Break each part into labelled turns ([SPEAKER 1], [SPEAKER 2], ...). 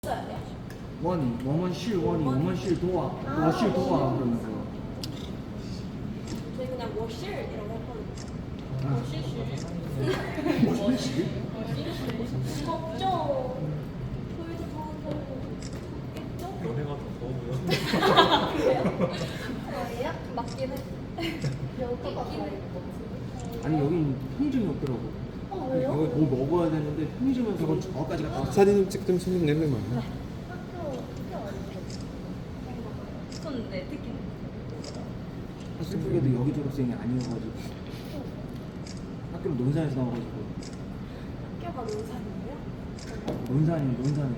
[SPEAKER 1] 원이, 我们是多啊 我是多啊
[SPEAKER 2] 저희 그냥 워실이라고 했거든요.
[SPEAKER 1] 워실?
[SPEAKER 2] 덥죠? 저희도 더웠겠죠?
[SPEAKER 3] 연애가 더 더워요.
[SPEAKER 2] 저희요? 맞긴 해. 여기가
[SPEAKER 1] 아니 여긴 편의점이 없더라고.
[SPEAKER 2] 왜요?
[SPEAKER 1] 여기 뭐 먹어야 되는데 편의점에서 저까지 갔다 왔어.
[SPEAKER 3] 사진 찍던 손님 내면 많아.
[SPEAKER 2] 근데 특히
[SPEAKER 1] 슬프게도 여기 졸업생이 아니어가지고 학교를 논산에서 나와가지고.
[SPEAKER 2] 학교가 논산이에요?
[SPEAKER 1] 논산에.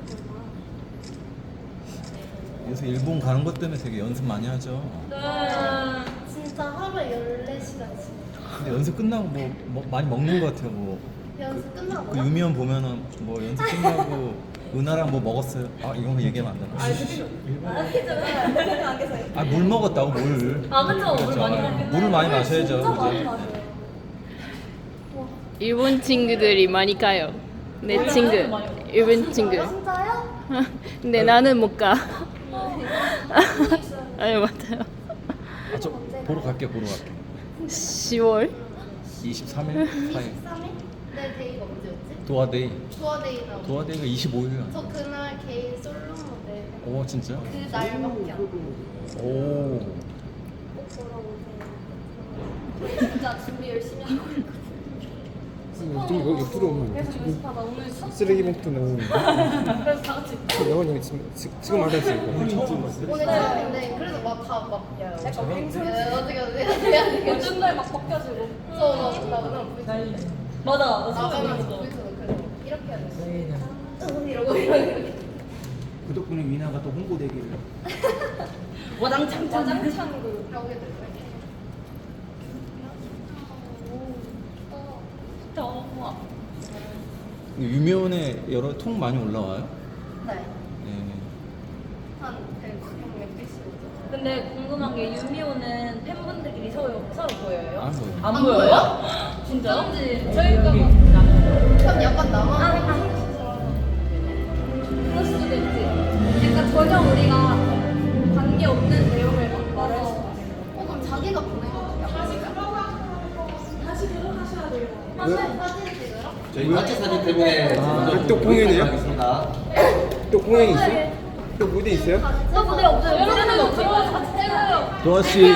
[SPEAKER 3] 요새 일본 가는 것 때문에 되게 연습 많이 하죠.
[SPEAKER 4] 진짜 하루에 14시간씩
[SPEAKER 3] 근데 연습 끝나고 뭐 많이 먹는 것 같아요. 뭐
[SPEAKER 4] 연습
[SPEAKER 3] 그
[SPEAKER 4] 끝나고요?
[SPEAKER 3] 유미원 보면은 뭐 연습 끝나고 은하랑 뭐 먹었어요. 아 이런 거 얘기하면 안 되나?
[SPEAKER 2] 안 계세요?
[SPEAKER 3] 아 물 먹었다고 물.
[SPEAKER 2] 아, 그쵸. 물
[SPEAKER 3] 그렇죠.
[SPEAKER 2] 많이
[SPEAKER 3] 아,
[SPEAKER 2] 마셔요.
[SPEAKER 3] 물을 많이 마셔야죠.
[SPEAKER 2] 진짜 많이
[SPEAKER 3] 그죠?
[SPEAKER 2] 마셔요.
[SPEAKER 5] 일본 친구들이 많이 가요. 내 친구, 일본 친구.
[SPEAKER 4] 진짜요?
[SPEAKER 5] 근데 나는 못 가. 아니 맞아요.
[SPEAKER 3] 아, 저 보러 갈게.
[SPEAKER 5] 10월
[SPEAKER 3] 23일 4일
[SPEAKER 4] 23일? 내 데이가 언제였지?
[SPEAKER 3] 도화데이.
[SPEAKER 4] 도화데이라고
[SPEAKER 3] 도화데이가 25일이야.
[SPEAKER 4] 저 그날 개인 솔로 무대
[SPEAKER 3] 오 진짜?
[SPEAKER 4] 그 날밖에 안
[SPEAKER 3] 오.
[SPEAKER 2] 꼭 보러 오세요. 저희 진짜 준비 열심히 하고 있거든요.
[SPEAKER 6] 좀 이거 옆으로 오면
[SPEAKER 2] 계속 연습하다 오늘 수업
[SPEAKER 6] 쓰레기 봉투 나오는
[SPEAKER 2] 그래서 다 같이
[SPEAKER 6] 영원히 지금 말했어 이거
[SPEAKER 4] 오늘 처음인데 그래도 막다막
[SPEAKER 2] 약간 뱅술
[SPEAKER 4] 어떻게
[SPEAKER 2] 요즘 날막 벗겨지고
[SPEAKER 4] 저나 그냥
[SPEAKER 2] 맞아
[SPEAKER 4] 나가면서 보이스도 그래서 이렇게 해야 돼 이러고
[SPEAKER 1] 그 덕분에 위나가 또 홍보되기를.
[SPEAKER 2] 와장창 그
[SPEAKER 4] 하게 될 거예요
[SPEAKER 2] 더워.
[SPEAKER 3] 유미원에 여러 통 많이 올라와요?
[SPEAKER 4] 네.
[SPEAKER 3] 예.
[SPEAKER 4] 한 100명 몇개씩 오죠
[SPEAKER 2] 근데 궁금한 게 유미호는 팬분들끼리 서로 보여요?
[SPEAKER 3] 안 보여요.
[SPEAKER 2] 안 보여요? 진짜요? 저희가
[SPEAKER 4] 그럼 약간 나만
[SPEAKER 2] 그럴 수도 있지. 약간 전혀 우리가 관계 없는 내용을 막 말할 수도 있어.
[SPEAKER 4] 그럼 자기가 보낸 거
[SPEAKER 2] 다시 들어가셔야 돼요.
[SPEAKER 4] 사진 찍으러?
[SPEAKER 7] 저희 단체 사진 때문에
[SPEAKER 6] 또 공연이에요?
[SPEAKER 7] 하겠습니다.
[SPEAKER 6] 또 공연이 있어요? 또 무대 있어요?
[SPEAKER 2] 저 무대 없어요. 여러분들 없어요. 같이 찍어요.
[SPEAKER 3] 도아 씨,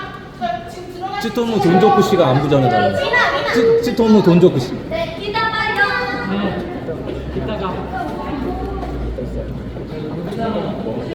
[SPEAKER 3] 찌토무 돈조쿠 씨가 안부 전해달라고. 찌토무 돈조쿠 씨.
[SPEAKER 2] 네, 기다려요.